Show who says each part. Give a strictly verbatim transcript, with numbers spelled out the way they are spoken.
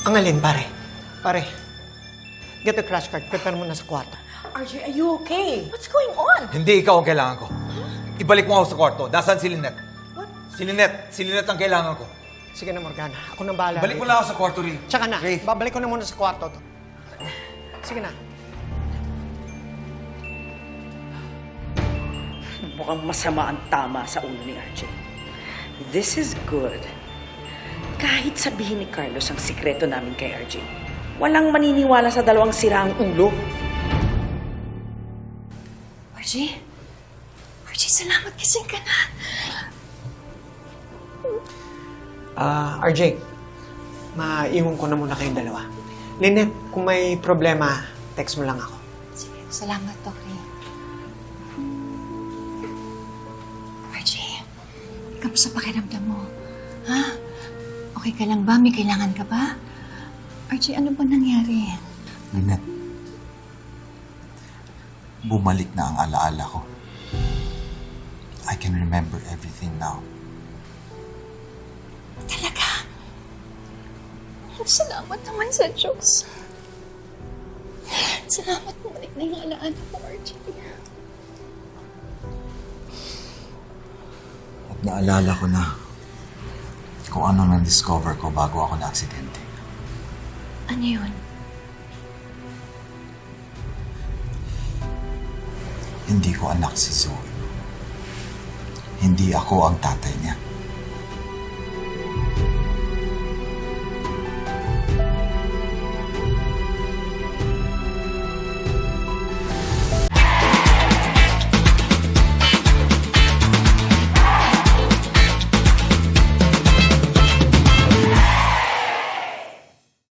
Speaker 1: Ang alin, pare? Pare, get the crash card. Prepare mo na sa kwarto.
Speaker 2: R J, are you okay? What's going on?
Speaker 3: Hindi ikaw ang kailangan ko. Ibalik mo ako sa kwarto. Nasaan si Lynette?
Speaker 2: What?
Speaker 3: Si Lynette. Si Lynette ang kailangan ko.
Speaker 1: Sige na, Morgana. Ako nang bahala.
Speaker 3: Balik mo
Speaker 1: rito.
Speaker 3: na ako sa kwarto, Ray.
Speaker 1: Tsaka na,
Speaker 3: Ray.
Speaker 1: babalik ko na muna sa kwarto to. Sige na.
Speaker 2: Mukhang masama ang tama sa ulo ni R J. This is good. Kahit sabihin ni Carlos ang sikreto namin kay R J, walang maniniwala sa dalawang siraang ulo.
Speaker 4: R J? R J, salamat gising ka na.
Speaker 1: Ah, R J, maiwan ko na muna kayong dalawa. Lynette, kung may problema, text mo lang ako.
Speaker 4: Sige, salamat, Tori. R J, kamusta pakiramdam mo? Ha? Okay ka lang ba? May kailangan ka ba? R J, ano ba nangyari?
Speaker 5: Lynette, bumalik na ang alaala ko. I can remember everything now.
Speaker 4: Talaga? Salamat naman sa Diyos. Salamat, bumalik na yung alaala ko, R J.
Speaker 5: At naalala ko na kung ano nang discover ko bago ako na-aksidente.
Speaker 4: Ano yun?
Speaker 5: Hindi ko anak si Zoe. Hindi ako ang tatay niya.